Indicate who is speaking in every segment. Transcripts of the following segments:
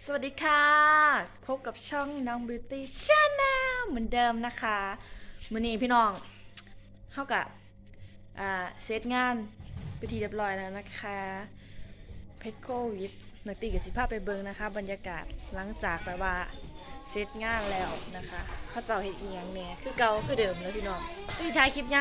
Speaker 1: สวัสดีค่ะพบกับช่องน้อง Beauty Channel เหมือนเดิมนะคะมื้อนี้พี่น้องเท่ากับเซตงานไปทีเรียบร้อยแล้วนะคะเพชรโควิดนักตีกับสิภาพไปเบิงนะคะบรรยากาศหลังจากแบบว่าเซตงานแล้วนะคะเขาเจ้าเฮ็ดอีหยังแหน่คือเก่าคือเดิมแล้วพี่น้องสิถ่ายคลิปยัง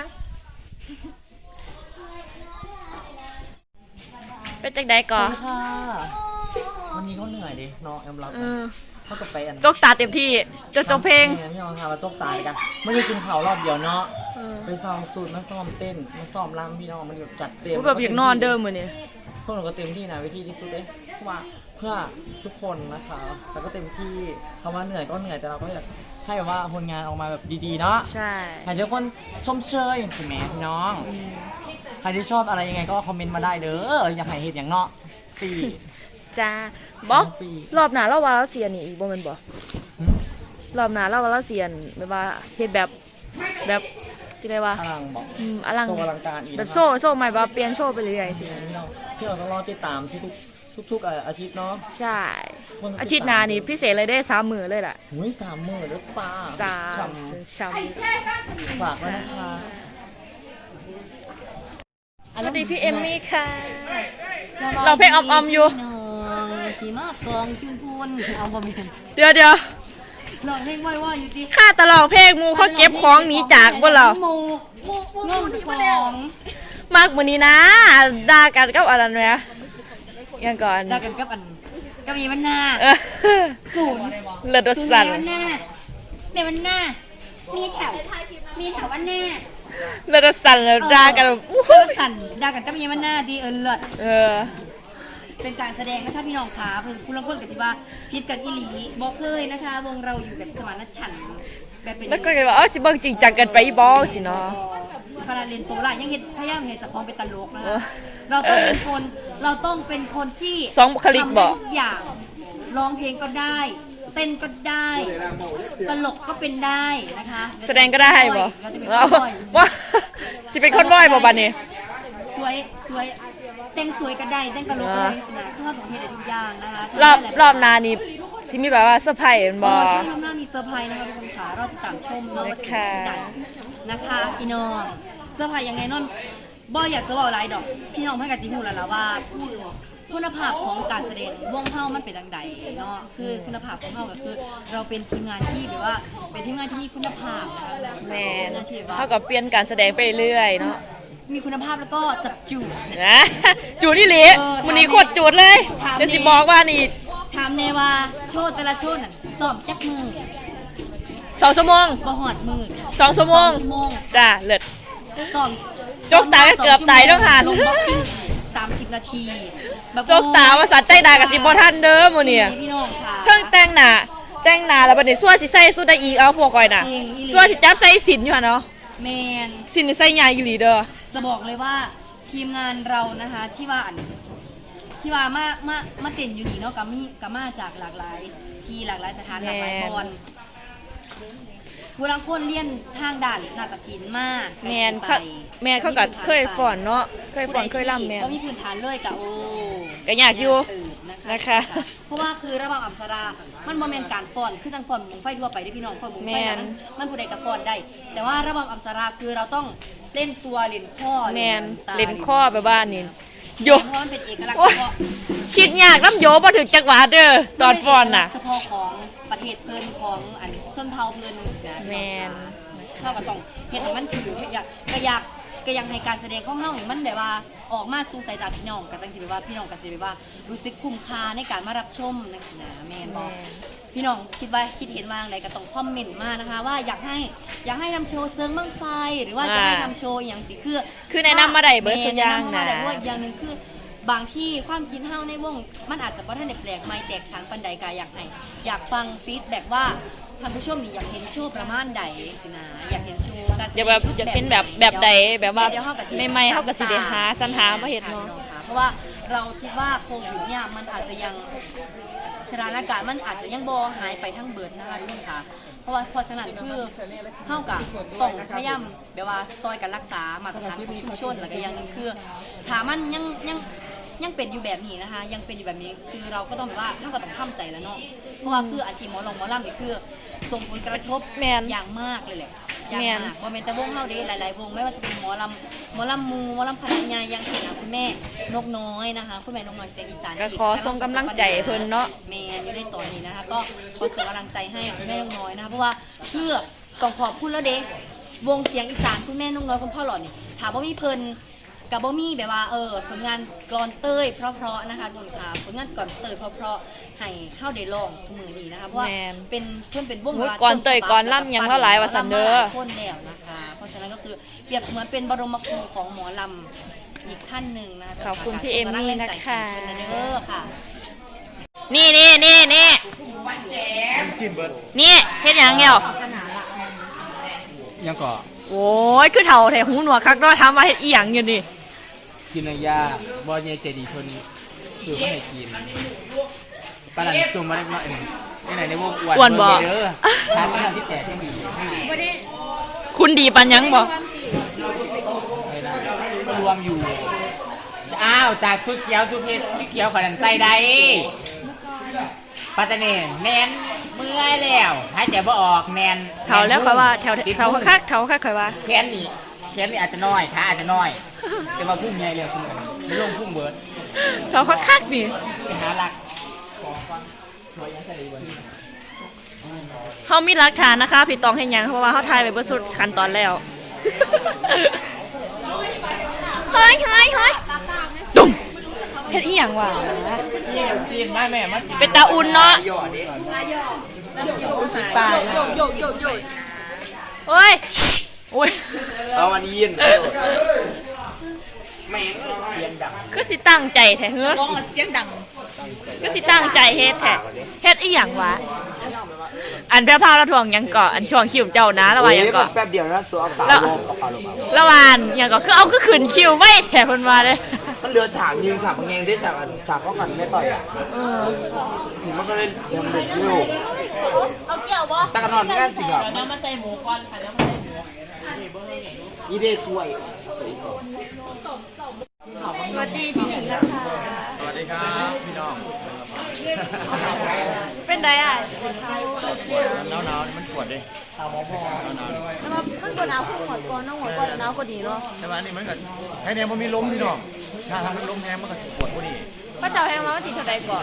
Speaker 1: เป็นจังใดก่อน
Speaker 2: ค่ะวันนี้เขาเหนื่อยดิเนาะยอมรับเขาก็ไปอัน
Speaker 1: จกตาเต็มที่จกเพลง
Speaker 2: พี่น้องค่ะมาจกตากันไม่ได้กินข้าวรอบเดียวเนาะไปซ้อมสูตรมาซ้อมเต้นมาซ้อมรำพี่น้องมันแบบจัดเต็ม
Speaker 1: แบบอยากนอนเดิมเหมือนเนี่ย
Speaker 2: พวกเราก็เต็มที่นะวิธีที่สุดเลยเพราะว่าเพื่อทุกคนนะคะแล้วก็เต็มที่คำว่าเหนื่อยก็เหนื่อยแต่เราก็อยากให้แบบว่าผลงานออกมาแบบดีๆเนาะ
Speaker 1: ใช่
Speaker 2: ให้ทุกคนชมเชยใช่ไหมพี่น้องใครที่ชอบอะไรยังไงก็คอมเมนต์มาได้เด้ออยากให้เห็นอย่างเนาะปี
Speaker 1: จ้าบอกรอบหน้าเราว่าเราเสียนี่อีกบ่แม่นบ่รอบหน้าเราว่าเราเสียนแบบว่าเฮ็ดแบบที่ได้ว่า
Speaker 2: อลังบอก
Speaker 1: อลัง
Speaker 2: โชว์อลังการอีก
Speaker 1: แบบโซ่ใหม่ว่าเปลี่ยนโชว์ไปเรื่อยๆสิ
Speaker 2: ที่เราต้องรอติดตามทุกอาทิตย์เนาะ
Speaker 1: ใช่อาทิตย์หน้านี่พิเศษเลยได้3 มื้อเลยล่ะ
Speaker 2: หุ้ย3 มื้อแล้วป้า
Speaker 1: ช้
Speaker 2: ำฝากไว้นะคะ
Speaker 1: สวัสดีพี่เอมมี่ค่ะเราเพลงออมอยู่
Speaker 3: ขี่ม้ากองจุนพูนเอาบ่มี
Speaker 1: เดี๋ยว
Speaker 3: ลองเพลงว่าอยู่ดิ
Speaker 1: ข้าตลอดเพลงมูเขาเก็บของหนีจากบ่เหรอ
Speaker 3: งงของ
Speaker 1: มากมื้อนี้นะด่ากันกับอะไรเนี่ยยังก่อน
Speaker 3: ด่ากันกับก็มีมันหน้าศูนย์
Speaker 1: เลือดสั่น
Speaker 3: มันหน้าเดี๋ยวมันหน้ามีแถววันหน้า
Speaker 1: เลือดสั่นแล้วด่ากันแบบ
Speaker 3: เลือดสั่นด่ากันก็มีมันหน้าดีเลือดเป็นการแสดงนะคะพี่น้องขาเพื่อนคุณลังคนกับที่ว่าพิษกันอีหลีบอกเลยนะคะวงเราอยู่แบบสมานฉันท์แบบเป็น
Speaker 1: แล้วก็เลยว่าสิเบิ่งจริงจังกันไปบ่สิเนาะ
Speaker 3: ขนาดเรียนโตละยังพยายามเห็นจากของเป็นตลกนะคะเราต้องเป็นคนที่
Speaker 1: สองบุคลิกบอก
Speaker 3: ทุกอย่างร้องเพลงก็ได้เต้นก็ได้ตลกก็เป็นได้นะคะ
Speaker 1: แสดงก็ได้บอกว่าสิเป็นคนบ่อยบ่บัดนี้
Speaker 3: สวยเต้นสวยก็ได้เต้นตลกก็ได้นะทอดของเฮ็ดได้ทุกอย่างนะคะ
Speaker 1: รอบนานี่สิมีแบบว่าเซอร์ไพรส์บ่
Speaker 3: ใช่รอบหน้ามีเซอร์ไพรส์นะคะทุกคนค่ะรอติดตามชมเนาะว่าจะเป็นยังไงนะคะพี่น้องเซอร์ไพรส์ยังไงนนบ่อยากจะบอกอะไรดอกพี่น้องเพื่อนกับจีฮูแล้วล่ะว่าคุณภาพของการแสดงวงเฮามันเป็นจังใดเนาะคือคุณภาพของเฮาก็คือเราเป็นทีมงานที่แบบว่าเป็นทีมงานที่มีคุณภาพนะคะ
Speaker 1: แม่เท่ากับเปลี่ยนการแสดงไปเรื่อยเนาะ
Speaker 3: มีคุณภาพแล้วก็จับจูด
Speaker 1: นะจูดที่หลีวันนี้โคตรจูดเลยเดี๋ยวสิบอกว่านี่
Speaker 3: ถามแน่ว่าโชว์แต่ละโชว์น่ะซ้อมจักมือ
Speaker 1: 2 ชั่วโมง
Speaker 3: บ่ฮอดมือ
Speaker 1: 2 ชั่วโมงจ้าเลิศ
Speaker 3: ซ้อม
Speaker 1: จกตาเกือบตายต้องหัน
Speaker 3: ลงบ็อกกิ้ง30 นาที
Speaker 1: จกตาว่าสัตว์ใต้ดากับสิบ่ทันเด้อมื้อนี้
Speaker 3: พี่น้องค่ะ
Speaker 1: เพิ่งแต่งหน้าแล้วบัดนี้ซั่วสิใส่สุดได้อีกเอาพวกก่อยน่ะซั่วสิจับใส่สินอยู่หั่นเนาะ
Speaker 3: แม่น
Speaker 1: สินใส่ใหญ่อีหลีเด้อ
Speaker 3: จะบอกเลยว่าทีมงานเรานะคะที่ว่ามาเต้นอยู่นี่เนาะก็มาจากหลากหลายที่หลากหลายสถานหลากหลายบอลผู้ลังคนเรียนทางด่านนาฏศิลป์มา
Speaker 1: แม่เขาก็เคยฝอนเนาะเคยล่ำแม่
Speaker 3: ก็มีพื้นฐานเลยกะโอ้
Speaker 1: ก็อยากอยู่นะคะ
Speaker 3: เพราะว่าคือระบำอัปสรามันโมเมนต์การฝอนคือจังฝอนมุงไฟทั่วไปได้พี่น้องฝอนมุงไฟนั้นมันผู้ใดกับฝอนได้แต่ว่าระบำอัปสราคือเราต้องเล่นตัวเล่นข้อ
Speaker 1: แมนเล่นข้อไปบ้านนี่
Speaker 3: โยเพราะมันเป็นเอกลักษณ์เฉพาะ
Speaker 1: คิดยากน้ำโยพอถึงจังหวะเด้อตอนฟอนน่ะ
Speaker 3: เฉพาะของประเทศเพิ่นของชนเผ่าเพิ่นนะ
Speaker 1: แมน
Speaker 3: เขาก็ต้องเฮ็ดให้มันถือก็อยากให้การแสดงของเฮานี่มันแบบว่าออกมาสู่สายตาพี่น้องก็จังสิแบบว่าพี่น้องก็สิแบบว่ารู้สึกคุ้มค่าในการมารับชมจังซี่นะแม่นบ่พี่น้องคิดเห็นว่าจังไดก็ต้องคอมเมนต์มานะคะว่าอยากให้ทำโชว์เซิงบั้งไฟหรือว่าจะให้ทำโชว์อย่างสิ
Speaker 1: คือแนะนำมาได้เบิดทุกอย่างนะ
Speaker 3: แต่ว่าอย่างนึงคือบางที่ความคิดเฮาในวงมันอาจจะบ่ทันได้แปลกใหม่แตกฉานปานใดก็อยากฟังฟีดแบ็กว่าท่านผู้ชมนี่อยากเห็นโชว์ประมาณใดสินะอยากเห็นโชว์
Speaker 1: อยากเห็นแบบใดแบบว่าใหม่ๆเฮาก็สิได้หาสรรหามาเฮ็ดเนาะ
Speaker 3: เพราะว่าเราคิดว่าโควิดเนี่ยมันอาจจะยังสถานการณ์มันอาจจะยังบ่หายไปทั้งเบิดนะคะทุกคนค่ะเพราะฉะนั้นคือเฮาก็ต้องพยายามแบบว่าซอยกันรักษามาตรฐานของชุมชนแล้วก็อย่างนึงคือถ้ามันยังยังเป็นอยู่แบบนี้นะคะ ยังเป็นอยู่แบบนี้คือเราก็ต้องแบบว่าท่านก็ต้องทำใจแล้วเนาะเพราะว่าคืออาชีพหมอลำนี่คือส่งผลกระทบ
Speaker 1: แม่น
Speaker 3: อย่างมากเลยแหละอย่าง
Speaker 1: แม่น
Speaker 3: มากบ่แม่นแต่วงเฮาเด้หลายๆวงไม่ว่าจะเป็นหมอลำมูหมอลำคณะใหญ่อย่างเช่นคุณแม่นกน้อยนะคะคุณแม่นกน้อยเสียงอีสาน
Speaker 1: ก็ขอส่งกำลังใจเพิ่นเนาะ
Speaker 3: แม่อยู่ในตอนนี้นะคะ ก็ขอส่งกำลังใจให้คุณแม่นกน้อยนะคะเพราะว่าเพื่อต้องขอบคุณแล้วเด้วงเสียงอีสานคุณแม่นกน้อยคุณพ่อหล่อนี่ถามว่ามีเพิ่นกับบ่มีแบบว่าผลงานกลอนเต้ยเพราะๆนะคะทุกคนค่ะผลงานกลอนเต้ยเพราะๆให้เฮาได้ลองทุกมื้อนี้นะคะเพราะว่า
Speaker 1: แม่น
Speaker 3: เป็นเพิ่นเป็นวง
Speaker 1: โอ้ยก่อนเต้ยก่อนล่ำยังเท่าหลายว่าซั่นเด้อ
Speaker 3: ล่ำมาหลายคนแล้วนะคะ เพราะฉะนั้นก็คือเปรียบเสมือนเป็นบรมครูของหมอลำอีกท่านหนึ่งนะคะ
Speaker 1: ขอบคุณพี่เอมมี่นะคะ
Speaker 3: ขอบณเด้อค่ะ
Speaker 1: นี่
Speaker 2: จิ้มเบิร์ด
Speaker 1: นี่เฮ็ดหยังเหี่ยว
Speaker 2: ยังก่อ
Speaker 1: โอ้ยคือเฒ่าแท้หูหนวกคักเนาะถามว่าเฮ็ดอีหยังอยู่นี่
Speaker 2: กินนายาบอลเยเจดีคนคือไม่ให้กินปลาหลังจุ่มมาได้มาไหนในวงอ้วนเด้อทานที่แตกที่มี
Speaker 1: คุณดีปันยังบ่
Speaker 2: รวมอยู่อ้าวจากสุดเขียวสุดเพชรที่เขียวขนาดใส่ได้ปัตตานีแนนเมื่อยแล้วหายใจบ่ออกแนน
Speaker 1: เฒ่าแล้วค่อยว่าเฒ่าคักค่อยว่า
Speaker 2: แขนนี่อาจจะน้อยขาอาจจะน้อยแต่ว่าพุ่งใหญ่เลยคุณไม่ลงพุ่งเบิร์ด
Speaker 1: เฒ่าคักนี่
Speaker 2: ไปหาหลัก
Speaker 1: เฮามีหลักฐานนะคะพี่ตองเฮ็ดหยังเพราะว่าเฮาถ่ายไว้เบิดสุดขั้นตอนแล้วเฮ้ยตุ่มเฮ็ดอีหยังวะ
Speaker 2: ซีนแม่มัน
Speaker 1: เป็นตาอุ่นเนาะ
Speaker 2: ตาย
Speaker 1: โอ้ยโอ้ย
Speaker 2: เอาวันยินแม่เสียงดัง
Speaker 1: คือสิตั้งใจแท้เฮ้อเสียงดังคือสิตั้งใจเฮ็ดแท้เฮ็ดอีหยังวะอันแพร่พาวแล้วทวงหยังเกาะอันทวงคิวเจ้านะระว่าหยังเกาะ
Speaker 2: แป๊บเดียวนะสัวเอาขาลงเอาขาลง
Speaker 1: ระหว่างหยังเกาะคือเอาคือขึ้นคิวไว้แท้เพิ่นว่าเด้
Speaker 2: มันเหลือฉากยืนฉากพังเงงได้ฉากเขาหันไม่ต่อยอ่ะมันก็เลยยังเด็กอยู่เอาเกี่ยวบ่ตะกันนอนง่ายจริงอ่ะน้ำมาใส่หมูก่อนค่ะน้ำมาใส่หมูอีเดถ้วย
Speaker 1: สวัสดีพี่หญิงนะคะ
Speaker 2: สวัสดีครับพี่น้อง
Speaker 1: เป็นไดอ่ะ
Speaker 2: หนาวมันปวดดิหนาว
Speaker 1: แล้วมาข้างบนเอาหัวก่อนน้องหัวก่อนหนาวก็ดีเนาะ
Speaker 2: ใช่ไหมนี่มันก็ให้เนี่ยมันมีล้มพี่น้องถ้าทำมันล้มแห้งมันก็ปวดพอดี
Speaker 1: พระเจ้าแห่งมาวันที่เท่าใดก่อน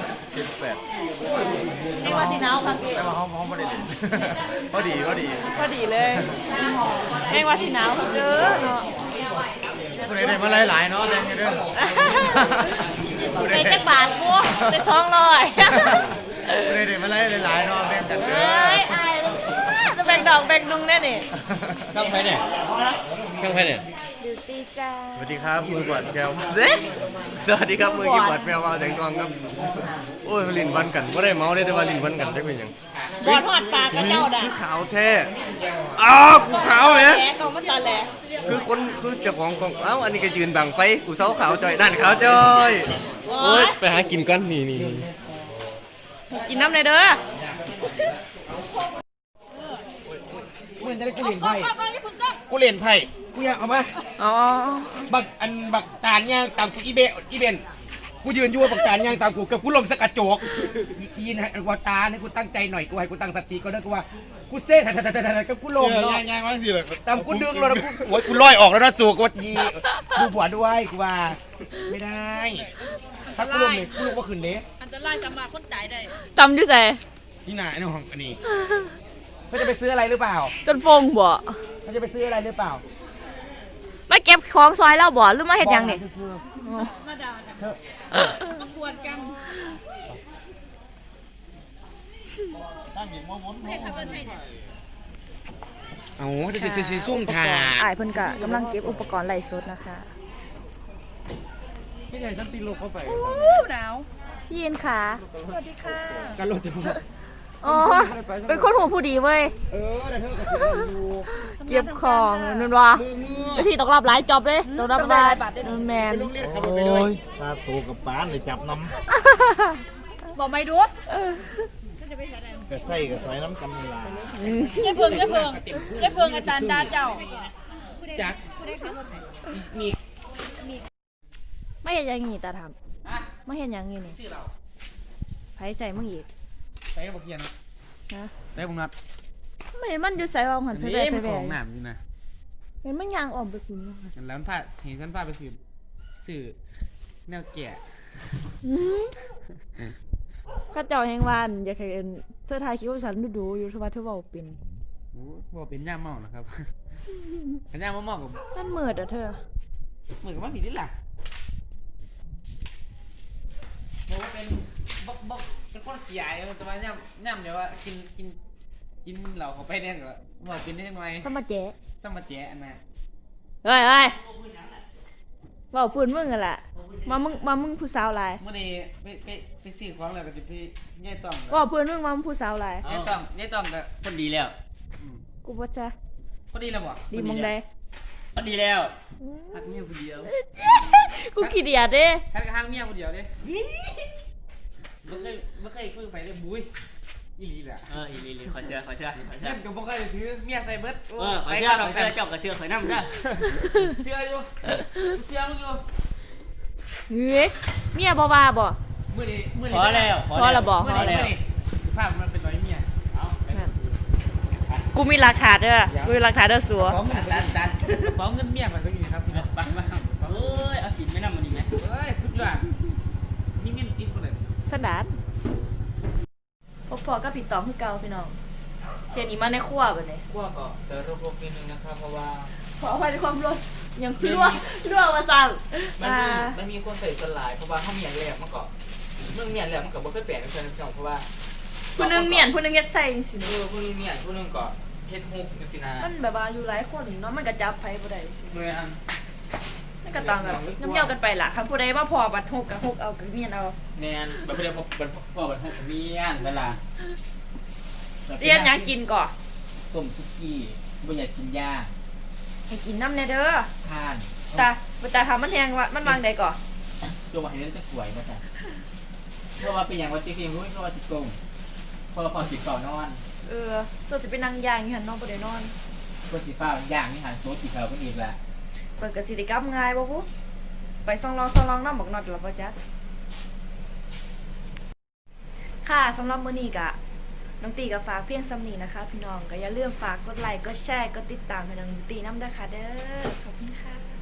Speaker 2: 78
Speaker 1: แห่งว่าสิหนาวค่ะพี่
Speaker 2: แต่ว่าเขาไม่ได้เล่น พอดี
Speaker 1: พอดีเลยแห่งว่าสิหนาวเด้อเนาะ
Speaker 2: ผู้ใดได้มาหลายๆเนาะแดงเด้อ
Speaker 1: ในจักบาทกูได้200
Speaker 2: ผู้ใดได้มาหลายๆเนาะแบ่งกันเด้
Speaker 1: เอ้
Speaker 2: อย
Speaker 1: อายจะแบ่งดอกแบ่งดุงแน่นี่
Speaker 4: ข้างใครเนี่ยข้างใครเนี่ย
Speaker 1: ดิวตี้จ้า
Speaker 4: สวัสดีครับมือบอดแก้วสวัสดีครับมือกีบอดแมวเมาแสงทองครับโอ้ยลิ้นวันกันไม่ได้เมาได้แต่ว่าลิ้นวันกันได้เป็นยัง
Speaker 1: บอดหอดปากกับเจ้าด่ะ
Speaker 4: คือขาวแท้อ้าวกูขาวเลย
Speaker 1: แหลกองมาตอนแหล
Speaker 4: คือคนคือเจ้าของเอ้าอันนี้ก็ยืนบังไฟกูเสาขาวจอยนั่นขาวจอยโอ้ยไปหากินก่อนนี่
Speaker 1: กินน้ำเลยเด้อ
Speaker 2: มึงจะได้กูเล่นไพ่
Speaker 5: กูเล่นไพ่กูอยากเอามา
Speaker 1: อ๋อ
Speaker 5: บักตานย่างตามกูอีเบนกูยืนอยู่ว่าบักตานย่างตามกูกับกูลมสกัดโจกอีนให้กูตาให้กูตั้งใจหน่อยกูให้กูตั้งสติก็ได้กูว่ากูเซ่ถัดกับกูลมเนาะ
Speaker 2: ย่างว่าสิเลย
Speaker 5: ตามกูดึงแล้วกูโอ้ยกูลอยออกแล้วนะสู่กูทีกูหัวด้วยกูว่าไม่ได้ถ้ากูลมเนี่ยกูลงว่าขึ้นเด้
Speaker 1: จำอยู่ใส่
Speaker 5: ที่ไหนในห้องอันนี้เขาจะไปซื้ออะไรหรือเปล่า
Speaker 1: จนฟงบ่
Speaker 5: เขาจะไปซื้ออะไรหรือเปล่า
Speaker 1: มาเก็บของซอยแล้วบ่หรือมาเฮ็ดหยังนี่
Speaker 5: เอาจะสิซุ่มถ่า
Speaker 1: อ้ายเพิ่นก็กำลังเก็บอุปกรณ์ไล่สดนะคะ
Speaker 5: ไม่ใช่ฉันตีโลกเข้าไป
Speaker 1: หนาวพี่ยินค่ะสวัสดีค่ะ
Speaker 5: การโลดจะ
Speaker 1: อ๋อเป็นคนหูผู้ดีเว้ย
Speaker 5: แต่เธอก็ถือดู
Speaker 1: เก็บของนั่นวะไปที่ตกรอบหลายจอบเลยตกรอบหลายแมน
Speaker 5: โรงเรียนขับรถไปเลย
Speaker 2: ถ้าโตกับป้านเลยจับน้
Speaker 1: บอกไม่ดู
Speaker 2: ำกระใส่กระใส่น้ำกำลา
Speaker 1: เพิ่งอาจารย์ดาเจ้า
Speaker 5: จักมี
Speaker 1: ไม่เห็นอย่างงี้ตาถาม
Speaker 5: ฮะ
Speaker 1: ไม่เห็นอย่างงี้นี่
Speaker 5: ชื่อเรา
Speaker 1: ไผใส่มึงอีก
Speaker 5: ใส่บอกเคียน
Speaker 1: นะ
Speaker 5: ใส่บุงนัด
Speaker 1: ไม่เห็นมันอยู่ใส่วางหันไปแบ
Speaker 5: นี่
Speaker 1: ไป
Speaker 5: มัน
Speaker 1: แบ
Speaker 5: ของหนามอยู่นะ
Speaker 1: เห็นมันยางออมไปคุณ
Speaker 5: แล้วมันพาเห็นฉันพาไปสื่อแนวแก่
Speaker 1: ข้าเจ้าแห่งวานอยากให้เห็นเธอทายคิดว่าฉันดูอยู่ทว่าเธอเว้าเป็น
Speaker 5: โอ้บอกเป็นย่ามเมานะครับ เป็นย่ามเมากับ
Speaker 1: มันมืดอ่ะเธอ
Speaker 5: เหมือนกับว่าผิดนี่แหละบอกว่าเป็นบกเป็นคนขี้อายแต่ว่าย่ำเดี๋ยวว่ากินเหล้าเข้าไปเนี่ยก็บอกเป็นได้ยังไง
Speaker 1: สมาเจ๊
Speaker 5: สมาแจ๊อันน่ะ
Speaker 1: เฮ้ยเว้าพูดมึงกันล่ะมามึงผู้สาวหลาย
Speaker 5: เมื่อนี้ไปซื้อของแล้วก็จะไปย่ายต้อง
Speaker 1: เว้าพูดมึงมามึงผู้สาวหลาย
Speaker 5: ย่ายต้องก็
Speaker 6: คนดีแล้ว
Speaker 1: กูบ่จ้ะ
Speaker 5: พอดีแล้วบ่
Speaker 1: ดีมองใด
Speaker 6: คนดีแล้วหักเมียคนเดียว
Speaker 1: กูขี้เดียดเด้
Speaker 5: ฉันก็ห้างเมียคนเดียวเด้ไม่เคยคุยกับใครเลยบุ้ยอีหลีแหละ
Speaker 6: อีลีขอเชื่อ
Speaker 5: เล่นกับพวกใครถือเมียใส่เบิร์ด
Speaker 6: ขอเชื่อเจ้ากับเชื่อข่อยน้ำได้
Speaker 5: เชื่ออยู่เชื่อมึงอยู่
Speaker 1: เฮ้ยเมียบ่ว่าบ่
Speaker 5: มื่อนี้
Speaker 6: พอแล้ว
Speaker 1: พอแล้วบ่
Speaker 5: เมื่อนี้สภาพมันเป็นร้อยเมีย
Speaker 1: กูมีหลักฐานเด้อกูมีหลักฐานเด้อสัว
Speaker 5: ของเงินดันของเงินเมียมันก็อยู่ครับ
Speaker 6: ปังมาเอ้ยเอากินไม่น้ำมันดีไหม
Speaker 5: เฮ้ยสุดยอดนี่เมียอีกคนเลย
Speaker 1: สันดานพอก็ผิดตองคือเก่าพี่น้องเทียนนี้มาในครัวบ่เนี่ย
Speaker 2: พวกก็จะรวบๆนิดนึงนะครับเพราะว่า
Speaker 1: ขออภัยในความร้อนยังรั่วมาสั่ง
Speaker 2: มันมีคนใส่สลายเพราะว่าเขาเมียนแหลกมันก็เรื่องเมียนแหลกมันก็บ่เคยแปลกในเชิงจังเพราะว่า
Speaker 1: ผู้หนึงเมียนผู้หนึงเฮ็ดใส่จังซี่
Speaker 2: ผู้นึงเมียนผู้นึงก็เฮ็ดฮุกจังซี่นะ
Speaker 1: มันแบบว่าอยู่หลายคนเนาะมันก็จับไผบ่ได้สิ
Speaker 2: เมื่ออัน
Speaker 1: มันก็ต้องแบบน้ำเหี่ยวกันไปล่ะคันผู้ใดมาพอบัดฮกก็ฮกเอาก็เมียนเอา
Speaker 2: แนนแบบเรียกว่าเป็น
Speaker 6: พ่อบัดให้เมียนเวลา
Speaker 1: สิเฮ็ดหยังกินก่อ
Speaker 6: ต้มซุกี้บ่อยากกินยา
Speaker 1: ให้กินน้ำแน่เด้อ
Speaker 6: ทาน
Speaker 1: แต่ทำมันแฮงว่ามันวางใดก่อ
Speaker 6: ตัวมาให้เล่นจะสวยมาแต่เพราะว่าเป็นอย่างว่าจริงๆรู้เพราะว่าสิโกงเพราะว่าพอสิก่อนอน
Speaker 1: ส่วนจะเป็นนางย่างอยู่หั่นเนาะบ่ได้นอน
Speaker 6: คนสีฟ้าอย่างนี่หันโต๊ะสีขาวก็อีกแล้ว
Speaker 1: เปิดก็สิได้กลับง่ายบ่พุไปซ่องลองน้ำบักน็อตแล้วบ่จักค่ะสำหรับมื้อนี้ก็น้องตีก็ฝากเพียงซ้ำนี้นะคะพี่น้องก็อย่าลืมฝากกดไลค์กดแชร์กดติดตามให้น้องตีน้ำเด้อค่ะเด้อขอบคุณค่ะ